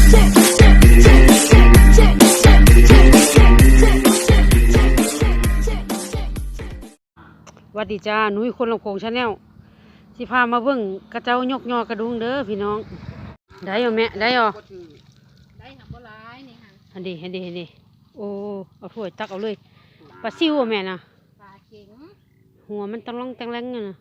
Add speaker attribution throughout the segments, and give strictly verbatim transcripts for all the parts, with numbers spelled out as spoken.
Speaker 1: วัสดีจ้าหนุ่ยคนลำโพงชาแนลสิพามาเบิ่งกระเจ้ายกยอกระดุงเด้อพี่น้องได้เหรอแม่ได้เหรอ
Speaker 2: ได้หักบ่ร้ายนี่ค่ะ
Speaker 1: อันดีอันดีอันดีโอ้เอาถ้วยตักเอาเลยปลาซิวแม่น่ะ
Speaker 2: ปลาเข็ง
Speaker 1: หัวมันตังล่องตังแรงน่ะ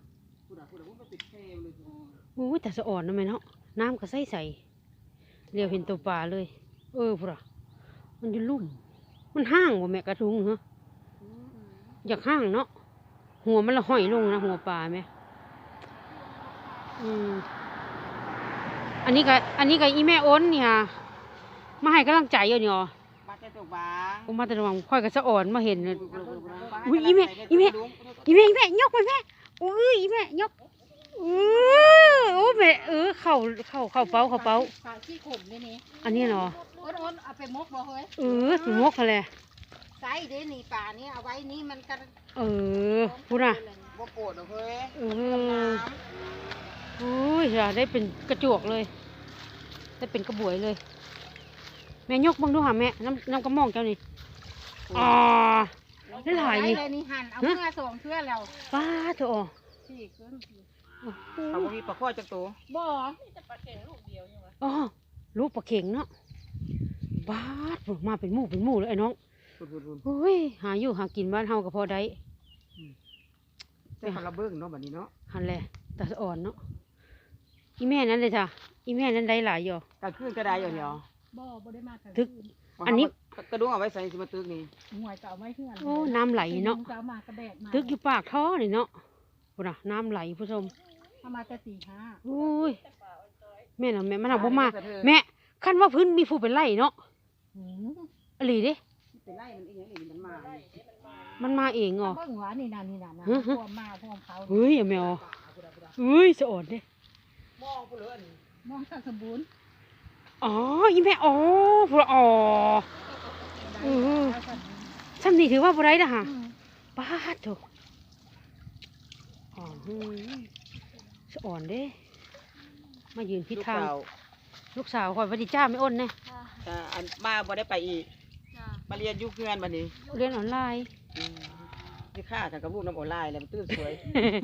Speaker 1: โอ้ยแต่สะอ่อนนะแม่เนาะน้ำก็ใสใสเรียวเห็นตัวปลาเลยเออพุ่นอะมันอยู่ลุ่มมันห้างว่ะแม่กระดุงเหรออยากห้างเนาะหัวมันละห้อยลงนะหัวปลาไหมอืมอันนี้ก็อันนี้ก็อีแม่อ้นนี่ค่ะมาให้กำลังใจอยู่นี่อ๋อ
Speaker 2: มาแต่ตัวบาง
Speaker 1: ผมมาแต่ระวังค่อยกับสะอ่อนมาเห็นเลยอุ้ยอีแม่อีแม่อีแม่อีแม่ยกไปแม่อุ้ยอีแม่ยกเออโอ้แม่เออเข่าเข่าเข่าเป้าเข่าเป้า
Speaker 2: ปลาขี้ขมนี่นี่
Speaker 1: อันนี้เนาะ
Speaker 2: อ้นอ้นเอาไปมกบ่เฮ้ย
Speaker 1: เออถึงมกเขาเลย
Speaker 2: ไซเด้นี่ปลานี่เอาไว้นี่มันกัน
Speaker 1: เออพูดนะ
Speaker 2: บ่โกรธเฮ้ย
Speaker 1: เออโอ้ยจะได้เป็นกระจวกเลยได้เป็นกระบวยเลยแม่ยกบังดูหาแม่น้ำน้ำกระมองเจ้านี่อ๋อได้หลายนี่
Speaker 2: นี่หั่นเอาเมื่อส่งเชื่อแล้ว
Speaker 1: ป้าเถอะอ๋อ
Speaker 2: สี่ขึ้น
Speaker 3: เอาบ่มีปลาข้อจักตัว
Speaker 2: บ่
Speaker 3: มีแต่ปลาเข็งลูกเดียวใช่ไหม
Speaker 1: อ๋อลูกปลาเข็งเนาะบ้าดมาเป็นหมู่เป็นหมู่เลยไอ้น้องโอ้ยหาอยู่หากินบ้านเฮาก็พอได้
Speaker 3: แต่เขาระเบิงเนาะแบบนี้เนาะ
Speaker 1: หันแหละตาสะอ่อนเนาะอีแม่นั้นเลยจ้ะอีแม่นั้นได้หลายอยู่
Speaker 3: กระคืนกระไดอยู่เดียว
Speaker 2: บ่บ่ได้มา
Speaker 1: ทึกอันนี้
Speaker 3: กระดุงเอาไว้ใส่สิมาตึกนี่
Speaker 2: หวยเก่าไม่เพื่อน
Speaker 1: โอ้น้ำไหลเนาะทึกอยู่ปากท่อนี่เนาะพุ่นน่ะน้ำไหลผู้ชม
Speaker 2: ทำมาแต่สี่ห้า
Speaker 1: โอ้ยแม่น่ะแม่มันเอาบ่มาแม่คันว่าพื้นมีผู้เป็นไร่เนาะอหลีดิ
Speaker 3: เป็นไร่มันเองนี่มันมา
Speaker 1: มันมาเองเหรอ
Speaker 2: เบิ่งหวานี่นั่นนี่นั่นนะพวกมาพวกเขา
Speaker 1: เฮ้ยแมวเฮ้ยสะอ่อนดิ
Speaker 3: มองผู้เลื่อน
Speaker 2: มองสมบูรณ์
Speaker 1: อ๋ออีแม่อ๋อพวกอ๋อเออซ้ำนี่ถือว่าบุไรนะฮะป้าถูกอ๋อสะอ่อนเด้มายืนพิษทางลูกสาวคอยวัดดีจ้าไม่อ้นเนี่ย
Speaker 3: อันมาบ่ได้ไปอีกมาเรียนยุคเพื่อนบัดนี้
Speaker 1: เรียนออนไลน์
Speaker 3: ที่ข้าทางกับลูกน้ำออนไลน์แล้วมันตื้นสวย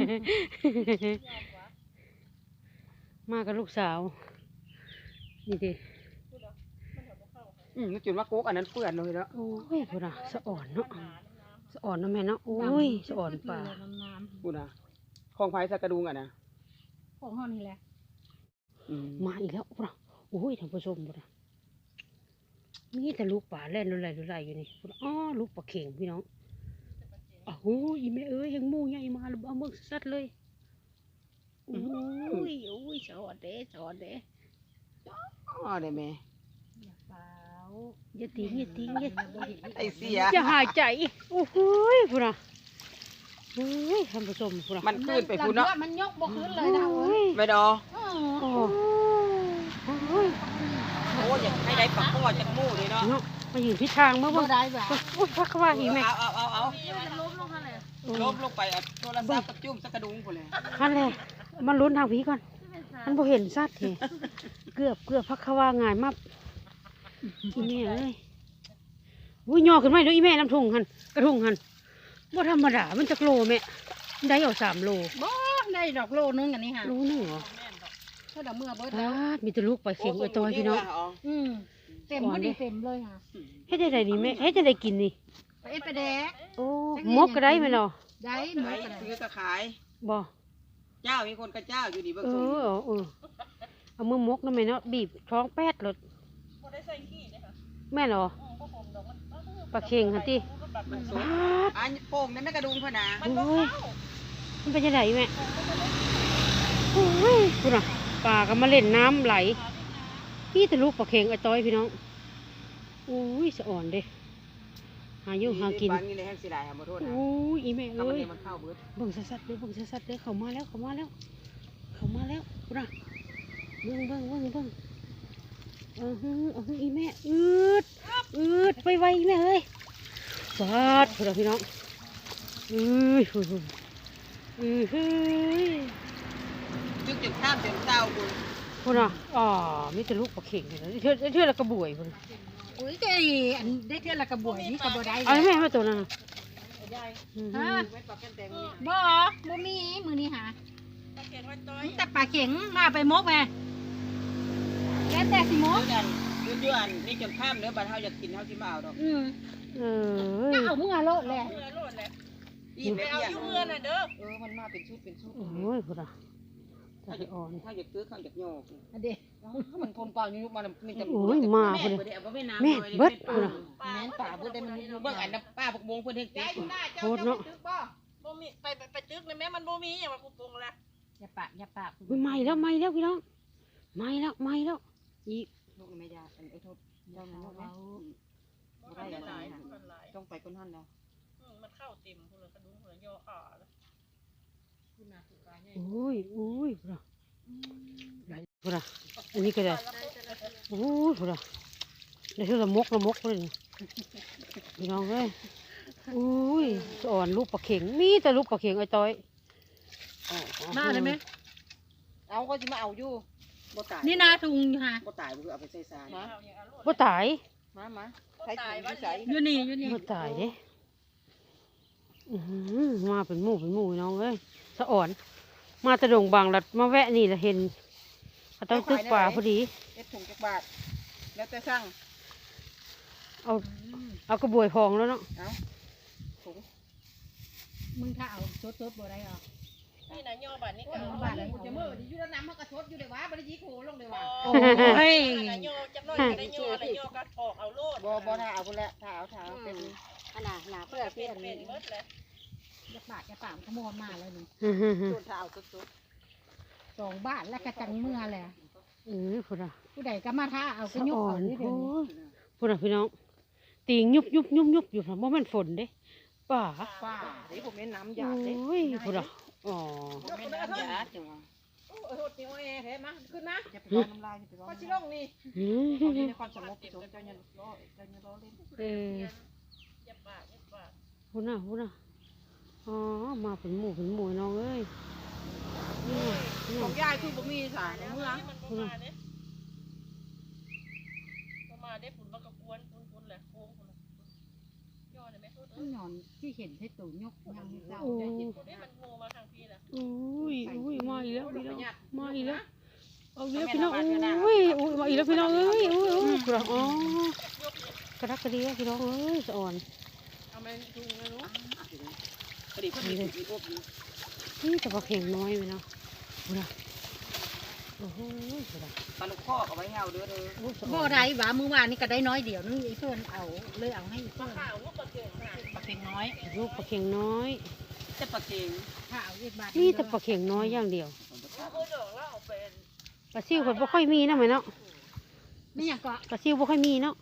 Speaker 1: มากับลูกสาวนี่ดิ
Speaker 3: อืมนึกจุดว่าโก๊กอันนั้นเปื่อนเลยแล้ว
Speaker 1: โอ้ยพูดนะสะอ่อนเนาะสะอ่อนนะแม่เนาะโอ้ยสะอ่อนป่า
Speaker 3: พูดนะคลองไผ่สักกระดุงอ่ะนะ
Speaker 2: ของห้องนี่แหละ
Speaker 1: มาอีกแล้วพูดนะโอ้ยท่านผู้ชมพูดนะมีแต่ลูกป่าเล่นอะไรอะไรอยู่นี่พูดอ๋อลูกปลาเข่งพี่น้องอ๋อโอ้ยแม่เอ้ยยังมู่ใหญ่มาแล้วเอาเมืองสัตว์เลยโอ้ยโอ้ยสะอ่อนเด้สะอ่อนเด้
Speaker 3: อ๋อได้ไหม
Speaker 1: อย่าทิ้งอย่าทิ้งอย่า
Speaker 3: ไอเสีย
Speaker 1: อย่าหายใจโอ้โหพูดนะโอ้ยท่านผู้ชมพูดนะ
Speaker 3: มันขึ้นไปพูดเนาะ
Speaker 2: มันยกบ่ขึ้นเลยนะ
Speaker 3: ไม่ดอ
Speaker 1: โอ้ย
Speaker 3: โอ้ยอยากให้ได้ปลาข้อจักมู่เลยเนาะ
Speaker 1: มาอยู่ทิศทางเมื่อวัน
Speaker 2: ได้แบบ
Speaker 1: โอ้ยพักว่าอีแม่
Speaker 3: เอาเอาเอาเอา
Speaker 2: ล้มลงมาเลย
Speaker 3: ล้มลงไปเอาโทรศัพท์กับจุ่มสักกระดุงคนเลย
Speaker 1: นั่นแหละมันลุ้นทางผีก่อนมันพอเห็นสัตว์เหรอเกือบเกือบพักว่าง่ายมากอีแม่เอ้ยวุ้ยย่อขึ้นมาด้วยอีแม่น้ำทุ่งหันกระทุ่งหันว่าธรรมดามันจะโลแม่ได้เอาสามโล
Speaker 2: บ่ได้ดอกโลนึงอันนี้ค่ะ
Speaker 1: โลนึงเหรอ
Speaker 2: ถ้าดอกเมื่อเบิดแล้ว
Speaker 1: มีแต่ลูกไปเข่งไปตอยพี่น้อง
Speaker 2: อืมเต็มพอดีเต็มเลยค่ะ
Speaker 1: ให้ได้ดีแม่ให้จะได้กินนี่
Speaker 2: ไปเอ็ดไปแดก
Speaker 1: โอ้มกก็ได้ไหมเนาะ
Speaker 2: ได้มก
Speaker 3: ซื้อกระขาย
Speaker 1: บ่
Speaker 3: เจ้ามีคนกระเจ้าอยู่ดีเบิกส่ง
Speaker 1: เออเออเอามือมกนั่นไหมเนาะบีบท้องแป๊ดเลยแม่เหรอปลาเข่งฮะที่
Speaker 3: อันโป่งนั่นแม่กระดุงพนา
Speaker 1: มันเป็นยังไงแม่โอ้ยคุณอ่ะปลาก็มาเล่นน้ำไหลพี่แต่ลูกปลาเข่งไอ้ต้อยพี่น้องโอ้ยสะอ่อนเด้หาอยู่หากินโอ้ยอีแม่เอ้ยบังสัดๆเลยบังสัดๆเลยเขามาแล้วเขามาแล้วเขามาแล้วคุณอ่ะเบิ้งเบิ้งเบิ้งเบิ้งเออฮึเออฮึอีแม่อืดอืดไปไวแม่เอ้ยสาดพวกเราพี่น้องอืออืออือ
Speaker 3: จุกจุดข้ามเสียงเต้าบุญ
Speaker 1: พุ่นอ่ะอ๋อมีแต่ลูกปลาเข็งเลยเทื่อเทื่อละกระบวยพุ่น
Speaker 2: อุ้ยได้อันได้เท่าละกระบวยนี่กระบวยได้
Speaker 1: เอาแม่มาตัวนั้นน่ะอืม
Speaker 2: ฮะบ่บ่มีมือนี้หาแต่ปลาเข็งมาไปมกแม่แล้วแต่สิมก
Speaker 3: เดือนเดือนเดือนนี่จนข้ามเนื้อบัดเฮาอยากกินเฮาสิมาเอาดอก
Speaker 2: อืม
Speaker 1: เออ
Speaker 2: ก็เอามือโลดแหละ
Speaker 3: อีแม่เอาอยู่เมืองน่ะเด้อเออมันมาเป็นชุดเป็นชุด
Speaker 1: โอ้ยพุ่นอ่ะตา
Speaker 3: ถ้าอยาก
Speaker 1: อ่อน
Speaker 3: ถ้าอยากซื้อข้าวอยากโยก
Speaker 2: อันเด้
Speaker 3: ถ้ามันทนเปล่านี่ลูกมันมีแต่
Speaker 1: โอ้ยมาพุ่น
Speaker 3: บ่
Speaker 1: เลย
Speaker 3: ได้เอาบ่แม่น้ำ
Speaker 1: แม่เบิดพุ่นอ่ะ
Speaker 3: แม่นป่าเบิดได้มันเบิ่งอันนั้นป้าพวกบงเพิ่นเฮ็ดติ
Speaker 1: โคตรเนาะ
Speaker 4: บ่มีไปไปไปตึกเลยแม่มันบ่มีอย่างว่ากูปรุงละ
Speaker 2: อย่าปะอย่าปะ
Speaker 1: อุ๊ยไหม้แล้วไหม้แล้วพี่น้องไหม้แล้วไหม้แล้วอีก
Speaker 3: ลูกไม่ได้อันไอ้โทษเจ้ามันลูกนะ
Speaker 4: บ่ทันได้หลายมันหลาย
Speaker 3: ต้องไปคนนั้นแล้ว
Speaker 4: อืมมันเข้าเต็มพุ่นละกระดุมพุ่นละย่อขาละ
Speaker 1: โอ้ยโอ้ยพุ่นอ่ะพุ่นอ่ะอันนี้ก็ได้โอ้ยพุ่นอ่ะได้เท่าละมกละมกเลยนี่พี่น้องเอ้ยโอ้ยสะอ่อนลูกปลาเข็งมีแต่ลูกปลาเข็งไอ้ต้อย
Speaker 2: มาได้ไหม
Speaker 3: เอาเขาสิมาเอาอยู่บ่ตาย
Speaker 2: นี่นาถุงอยู่ฮะ
Speaker 3: บ่ตายบ่คือเอาไปใส่ซาน
Speaker 4: เอาอย่างอร่อย
Speaker 1: บ่ตาย
Speaker 3: มามาใส่ถุงอยู่ใส่
Speaker 2: อยู่นี่อยู่นี่
Speaker 1: บ่ตายเด้อื้อหือมาเป็นหมู่เป็นหมู่น้องเอ้ยสะอ่อน มาแตะดงบางลัดมาแวะนี่ละเห็นเขาต้องตึกป่าพอดี
Speaker 3: เอ็ดถุงจักบาทแล้วแต่สั่ง
Speaker 1: เอาเอากระบวยพองแล้วเนาะ
Speaker 3: เอาถุง
Speaker 2: มึงถ้าเอาสดๆบ่ได้หรอ
Speaker 4: นี่นะย่อบัดนี้ก็
Speaker 2: เอา
Speaker 4: เอา
Speaker 2: บ้า
Speaker 4: บั
Speaker 2: น
Speaker 4: ด
Speaker 2: แล้ว
Speaker 3: จะมื้อนี้อยู่แล้วน้ำมันก็ชดอยู่ได้ว่าบ่ได้ยิกโหลงได้ว่า
Speaker 4: โอ้
Speaker 2: โอ้ย
Speaker 4: นะย่อจักหน่อยก็ได้ย่อแล้วย่อก็ออกเอาโลด
Speaker 3: บ่บ่ถ้าเอาพุ่นละถ้าเอาถ้าเอาเป็น
Speaker 2: อันน่ะหนาเพื่อ
Speaker 4: เป็
Speaker 2: เพื่อน น
Speaker 4: เป็นเบิดเลย
Speaker 2: อย่าปะอย่าปะขโมยมาเลยนี่
Speaker 1: อื้อหือหือ
Speaker 3: ส่วนถ้าเอาสุด
Speaker 2: สองบ้านแล้วก็จังเมื่อแหละ
Speaker 1: เออพุ่นอ่ะ
Speaker 2: ผู้ใดก็มาท่าเอา
Speaker 1: สะ
Speaker 2: ก็ยุก
Speaker 1: อ่อ
Speaker 2: เอา
Speaker 1: น
Speaker 2: นี่เดี๋ยว
Speaker 1: โอ้
Speaker 2: นี้
Speaker 1: ยพุ่นอ่ะพี่น้องตีงยุบยุบยุบยุบอยู่ค่ะบ่แม่นฝนเด้ป่า
Speaker 3: ๆป้าเดี๋ยวผมแม่นน้ำ
Speaker 1: โอ
Speaker 3: ยาดเด้
Speaker 1: ้ยพุ่นอ่ะอ๋อ
Speaker 3: ผมแม่นน้ำยาดจังว่า
Speaker 4: โอ้โหติโอเอแท้มาขึ้นมา
Speaker 3: จะไปร้อนน้ำลายจะไปร้อน
Speaker 4: พอสิ
Speaker 3: น้ำ
Speaker 4: ล
Speaker 3: ลาย
Speaker 4: งนี่
Speaker 1: อืม
Speaker 3: เอาอยู่ในความสงบสงเจ้าเนี่ยรอเจ้าเนี่ยรอเล่น
Speaker 1: เออ
Speaker 4: อย่าปากอย่าปาก
Speaker 1: พุ่นอ่ะพุ่นอ่ะอ๋อมาเป็นหมู่เป็นหมู่น้องเอ้ยนี่น่ะนี่
Speaker 3: ของ
Speaker 1: น่ะ
Speaker 3: ยายคือบ่มีสาร
Speaker 4: แล้ว
Speaker 3: เมื่อ
Speaker 4: มันบ่มาเด้บ่มาเด้ฝุ่นมันก็กวนฝุ่นๆแหละโค้งพุ่นละย่อได้ไหม
Speaker 2: ต้องหย่อนที่เห็นให้ตู่ยกยังไม่เศร้า
Speaker 1: โอ้
Speaker 2: ใจ
Speaker 1: ย
Speaker 2: เย็น
Speaker 4: พุ่นนี้มันโงมาทางพี่ล่ะ
Speaker 1: อุ้ยอุ้ยมาอีกแล้วพี่น้องมาอีกแล้วเอาอีกแล้วพี่น้องอุ้ยอุ้ยมาอีกแล้วพี่น้องเอ้ยอุ้ยอุ้ยกระอ๋อกระดักกระเดียพี่น้องเอ้ยสะอ่อน
Speaker 4: เอามาถุงนะลูก
Speaker 3: พอดีเพิ่นมีถุงอีอบอยู่
Speaker 1: นี่แต่ปลาเข็งน้อยพี่น้องพุ่นอ่ะโอ้โหพุ่นอ่ะ
Speaker 3: ปลาลูกคอกเอาไว้เฮาเด้อเด้อ
Speaker 1: โอ้ยสะอ่
Speaker 2: บ่
Speaker 1: อน
Speaker 2: ได้หว่ามือวานนี่ก็ได้น้อยเดียวนึงไอ้เพื่อนเอาเลยเอาให้เพื่อน
Speaker 4: ข้าวลูกกระเทียมค่ะ
Speaker 3: ปลาเค็งน้อย
Speaker 1: ลูกปลาเข็งน้อย
Speaker 3: แต่ปลาเค็ง
Speaker 2: ถ้าเอาอีกบาท
Speaker 1: นี่แต่ปลาเข็งน้อยอย่างเดียว
Speaker 4: เอาโคดอกแล้วเอาเป็น
Speaker 1: ปลาซิวเพิ่นบ่ค่อยมีนะแม่เนาะ
Speaker 2: ไม่อยากก็
Speaker 1: ปลาซิวบ่ค่อยมีเนาะ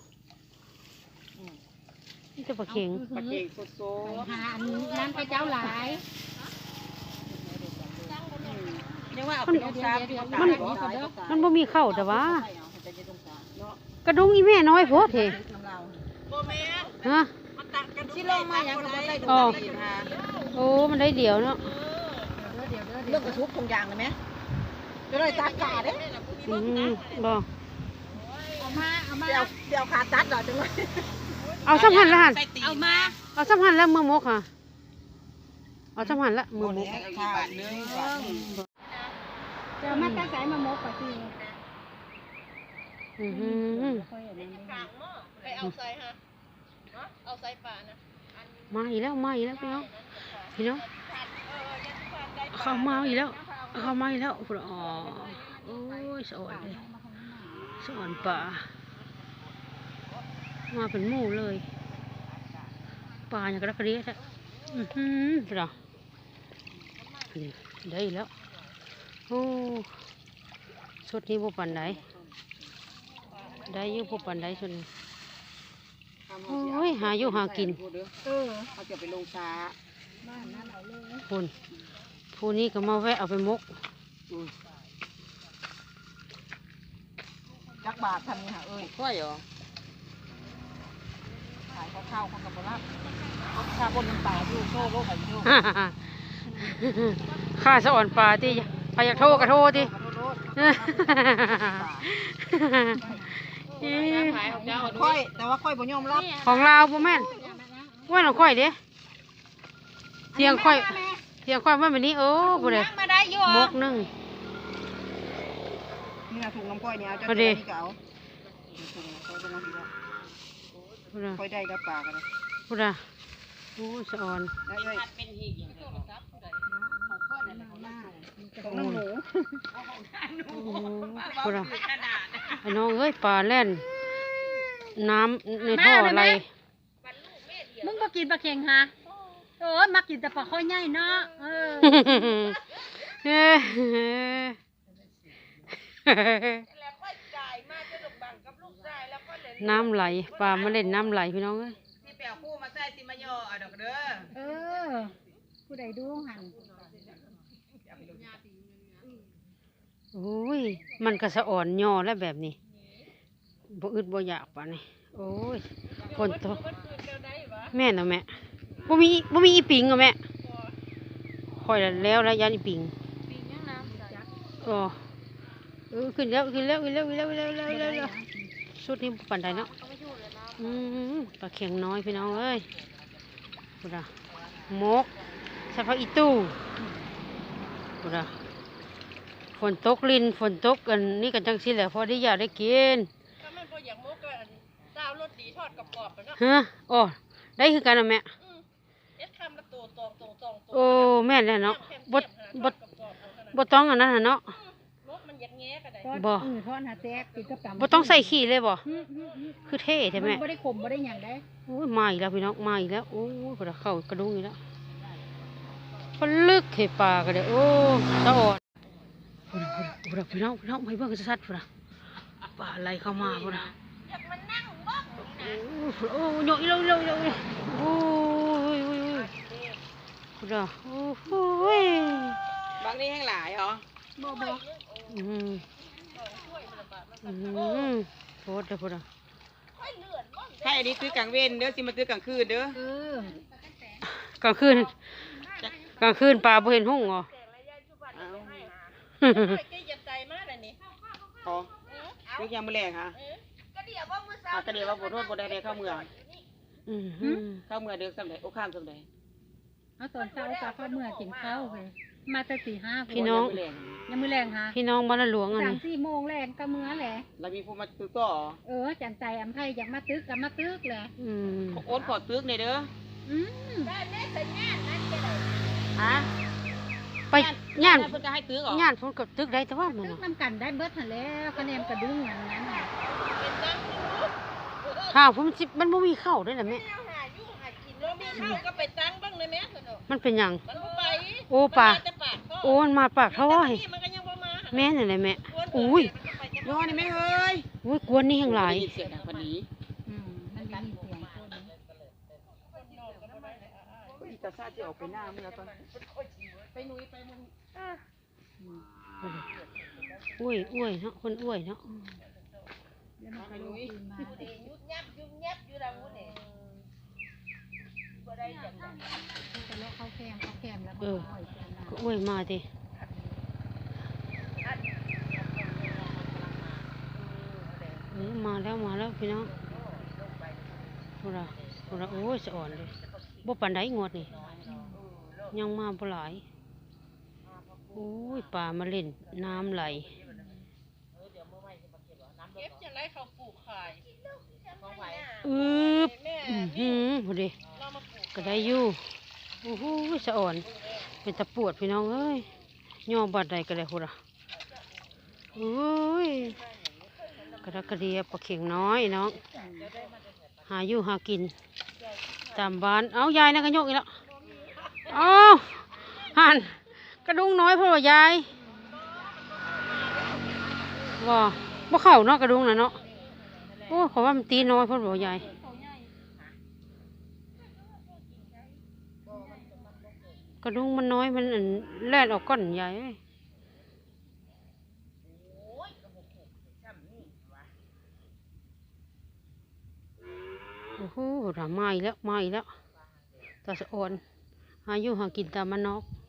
Speaker 1: นี่แต่ปลาเข็ง
Speaker 3: ปลาเค็งสด
Speaker 2: หาอันนั้นพระเจ้าหลาย
Speaker 3: ๆยังว่าเอาไปลงซ้ำที่เขาตายบ่ตายบ่ตาย
Speaker 1: มันบ่มีเข้าแต่ว่า
Speaker 3: ใช่เอาแต่จะลงซ้ำเนาะ
Speaker 1: กระดุงอีแม่น้อยโพดเถ
Speaker 3: น้ำเรา
Speaker 4: โบแมน
Speaker 1: ฮะ
Speaker 4: มันตักกัน
Speaker 3: สิลงมายังก็บ่ได้ดู
Speaker 1: อ๋อ
Speaker 3: กินหา
Speaker 1: โอ้มันได้เดียวเนาะ
Speaker 2: เดี๋ยวเดี๋ยวเดี๋ยว
Speaker 3: เรื่องกระทุบทงยางเลยไหมจะได้ตากาเด้
Speaker 1: อืมบ่
Speaker 2: เอามาเอามา
Speaker 3: เดี๋ยวเดี๋ยวขาตัดเหรอจังเลย
Speaker 1: เอาสัมพันธ์ละหัน
Speaker 2: เอามา
Speaker 1: เอาสัมพันธ์ละมือมกค่ะเอาสัมพันธ์ละมือมก
Speaker 3: ขาดนึงบาทนึง
Speaker 2: เดี๋ยวมาตั้งใจมามกไปสิ
Speaker 1: อือหือ
Speaker 2: ค่อยอันนั้น
Speaker 4: ขางหม้อไปเอาใส่ฮะเอาใส่ป่านะ
Speaker 1: มาอีกแล้วมาอีกแล้วพี่น้องพี่น้อง
Speaker 4: เออยันทุกวันได้
Speaker 1: เข้ามาอีกแล้วเข้ามาอีกแล้วอ๋อโอ้ยสะอ่อนเลยสะอ่อนป่ามาเป็นหมู่เลยป่าอย่างกระดกกระเดียแท้อือหือพี่น้องนี่ได้อีกแล้วโอ้ชุดนี้บ่ปันไดได้อยู่บ่ปันไดชุดนี้โอ้ยหาอยู่หากิน
Speaker 2: เออ
Speaker 3: เขาจะไปลงช้า
Speaker 2: บ้านนั้นเอาเลย
Speaker 1: คุณผู้นี้ก็มาแวะเอาไปมก
Speaker 3: จักบาททำนี่ฮะเอ้ยค่อยเหรอขายข้าวๆเขากับบรับชาบนน้ำตาอยู่โชว์โลกไข่โชว์
Speaker 1: ข้าสะอ่อนปลาที่ใครอยากโทรก็โทรที่
Speaker 3: ขอโทษ
Speaker 1: เอ้ย
Speaker 3: ขายของเจ้า
Speaker 4: ค่อยแต่ว่าค่อยบ่ยอมรับ
Speaker 1: ของเราบ่แม่นว่าเราค่อยเด้เสียงค่อยเสียงค่อยว่าแบบนี้โอ้บ่ได้
Speaker 2: มาได้อยู่
Speaker 1: มกหนึง
Speaker 4: นี่นะถุงน้ำก้อยเนี่ยเอาจะ
Speaker 1: พอ
Speaker 4: เจ
Speaker 1: ดี
Speaker 4: อนี่ก็เอาถุงน้ำก้อยเป็นอะไรแล้ว
Speaker 1: บ่ได้
Speaker 4: ค่อยได้กับปลากันเลย
Speaker 1: บ่ได้โอ้สะออน
Speaker 4: ได้เลย
Speaker 3: เป็นหีกอย่างเดียว
Speaker 4: ของน้ำหนู
Speaker 1: โอ้บ่ได้ไอ้น้องเอ้ยปลาแล่นน้ำในท่ออะไร
Speaker 2: มึงบ่กินปลาเค็งฮะโอ้ยมากินแต่ปลาข้อยใหญ่เนาะเออ
Speaker 1: เอ้ย น้ำไหลปลามาเล่นน้ำไหลพี่น้องเอ้ย
Speaker 3: ที่แปลคู่มาใส่ติมาย่อเอาดอกเด้อ
Speaker 2: เออผู้ใดดูหัน
Speaker 1: โอ้ยมันก็สะอ่อนย่อแล้วแบบนี้บ่อึดบ่อยากปะนี่โอ้ยฝนตกแม่นเอาแม่บ่มีบ่มีอีปิงเอาแม่ค่อยแล้วแล้วยันอีปิงอ๋อเออขึ้นแล้วขึ้นแล้วขึ้นแล้วขึ้นแล้วขึ้นแล้วขึ้นแล้วขึ้นแล้วสุดนี้บ่ปานใดเนาะอืมปลาเข็งน้อยพี่น้องเอ้ยพุดาหมกใส่ผักอีตู้พุดาฝนตกลินฝนตกกันนี่กันจังสิแหละพอได้อยากได้กิน
Speaker 4: ถ้ามันพออยากมกก็ดาวรสดีทอดกรอบๆกันเนาะ
Speaker 1: ฮะอ๋อได้คือกันนะแม่
Speaker 4: เอ็ดคำละตัวตองตองตองตัว
Speaker 1: โอ้แม่นแล้วเนาะบดบด
Speaker 4: กรอบๆเอาขนาด
Speaker 1: บ่ต้องอันนั้นน่ะเนาะ
Speaker 4: มกมันอยากแง่กันได้
Speaker 1: บ่
Speaker 2: อือทอดหาแตกกินกับตำ
Speaker 1: บ่ต้องใส่ขี้เลยบ่
Speaker 2: อืมอืมอืม
Speaker 1: คือเท่ใช่ไหม
Speaker 2: นบ่ได้ขมบ่ได้หยังได้
Speaker 1: โอ้ยมาอีกแล้วพี่น้องมาอีกแล้วโอ้ยพุ่นน่ะเข้ากระดุงอีกแล้วพนลึกให้ปลาก็ได้โอ้สะออดพุ่นน่ะพุ่นน่ะพุ่นน่ะพี่น้องพี่น้องไปเบิ่งชัดๆพุ่นน่ะปลาไหลเข้ามาพุ่นน่ะโอ้ยโอ้ยโยกอีกแล้วอีกแล้วอีกแล้วอีกแล้วโอ้ยโอ้ยโอ้ยพุ่นน่ะโอ้โหย
Speaker 3: บางนี่แห้งหลายเหรอ
Speaker 2: บ่บ่
Speaker 1: อืมอืมโคตรเลยพุ่นน่ะ
Speaker 3: ให้อันนี้ซื้อกลางเว้นเด้อสิมาซื้อกลางคืนเด้อ
Speaker 2: เออก
Speaker 1: ลางคืนกลางคืนปลาบ่เห็นหุ่งเหรอ
Speaker 3: เอา
Speaker 4: แกยัดใจมากเลยนี่
Speaker 3: พอนึกยังมื้อแรงฮะ
Speaker 4: ก็เดี๋ยวว่ามือสา
Speaker 3: อ่ะก็เดี๋ยวว่าบ่โทษบ่ได้ได้เข้าเมือง
Speaker 1: อืมอืม
Speaker 3: เข้าเมืองเด้อสำใดโอ้ข้ามสำใด
Speaker 2: เอาตอนเช้าปลาเข้าเมื่อกินข้าวไปมาแต่สี่ห้า
Speaker 1: พี่น้อง
Speaker 3: มื้อแรง
Speaker 2: ยังมื้อแรงฮะ
Speaker 1: พี่น้องบ้านละหลวงอัน
Speaker 2: สาม
Speaker 1: นี้
Speaker 2: สี่โมงแรงก็มื้อแหละ
Speaker 3: แล้วมีผู้มาซื้อต่อ
Speaker 2: เออจันใจอำไผอยากมาตึกก็มาตึกแหละ
Speaker 1: อืม
Speaker 3: โอนขอซื้อในอยเด้อ
Speaker 2: อืม
Speaker 3: ฮะ
Speaker 1: ไปย่าน
Speaker 3: เพิ่นก็ให้ซื้อเหรอ
Speaker 1: ย่านพุ่นกับตึกได้แต่ว่ามัน
Speaker 2: ตึก
Speaker 1: น่ะ
Speaker 2: นำกันได้เบิดหั่นแหล้วคะแนนกระดุ้งอย่างนั้นน่ะ
Speaker 1: ข้าวพุ่นมันสิมันบ่มีข้าวด้วยล่ะแม่
Speaker 4: หายุ่งหากินแล้วมีข้าวก็ไปตั้งบ้างเลยแม่เถอะ
Speaker 1: มันเป็นหยัง
Speaker 4: มันบ่ไป
Speaker 1: โอ้ป่า
Speaker 4: มันมแต่ปากท่อ
Speaker 1: โอ้มันมาปากเท่าไหร่
Speaker 4: นี่มันก็ยังบ่มา
Speaker 1: แม่นั่นแหละแม่อุ้ย
Speaker 3: ย้อนนี่แม่เฮ้ย
Speaker 1: อุ้ยกวนนี่แห่งหลาย
Speaker 3: ได้นเสียงดังพอดี
Speaker 2: อืมมันได้ยินเสียงคนนี้
Speaker 3: อีตาซาจะออกไปหน้าเมื่อตอน
Speaker 1: อุ้ยอุ้ยเนาะคนอุ้ยเนาะ
Speaker 2: แล้วมันก็ลุกขึ้นมา
Speaker 4: ยุบยับยุบยับอยู่ดังนู้นนี่บ่ได้จัง
Speaker 2: มันก็เลาะเข้าแคมเข้าแคมแล้วมัน
Speaker 1: เออ
Speaker 2: ก็ห้อยเสียงมา
Speaker 1: ก็อุ้ยมาดิเออมาแล้วมาแล้วพี่น้องพุ่นน่ะพุ่นน่ะโอ้ยสะอ่อนเลยบ่ปานใดงวดนี่ยังมาบ่หลายโอ้ยปลามาเล่นน้ำไหล
Speaker 4: เก็บจะไรเขาปลูกขาย
Speaker 1: อืบ
Speaker 4: แม่
Speaker 1: อื้อหือพอดี
Speaker 4: เรามาปลูก
Speaker 1: ก็ได้อยู่โอ้โหสะอ่อน เป็นตะปวดพี่น้องเอ้ยย่อบาดใดก็ได้พุ่นอ่ะโอ้ยกระดักกระเดียปลาเข็งน้อยน้อง หาอยู่หากิน ตามบ้าน เอายายนะกระยกอีกแล้วเอาหันกระดุงน้อยเพราะว่ายายว่าบ่เข้าเนาะกระดุงน่ะเนาะโอ้ขอว่ามันตีน้อยเพราะว่ายายกระดุงมันน้อยมันอั่นแล่นออกก้อนใหญ่เอ้ยโอ้โหมาอีกแล้วมาอีกแล้วตาสะอ่อนหาอยู่หากินตามมันนอก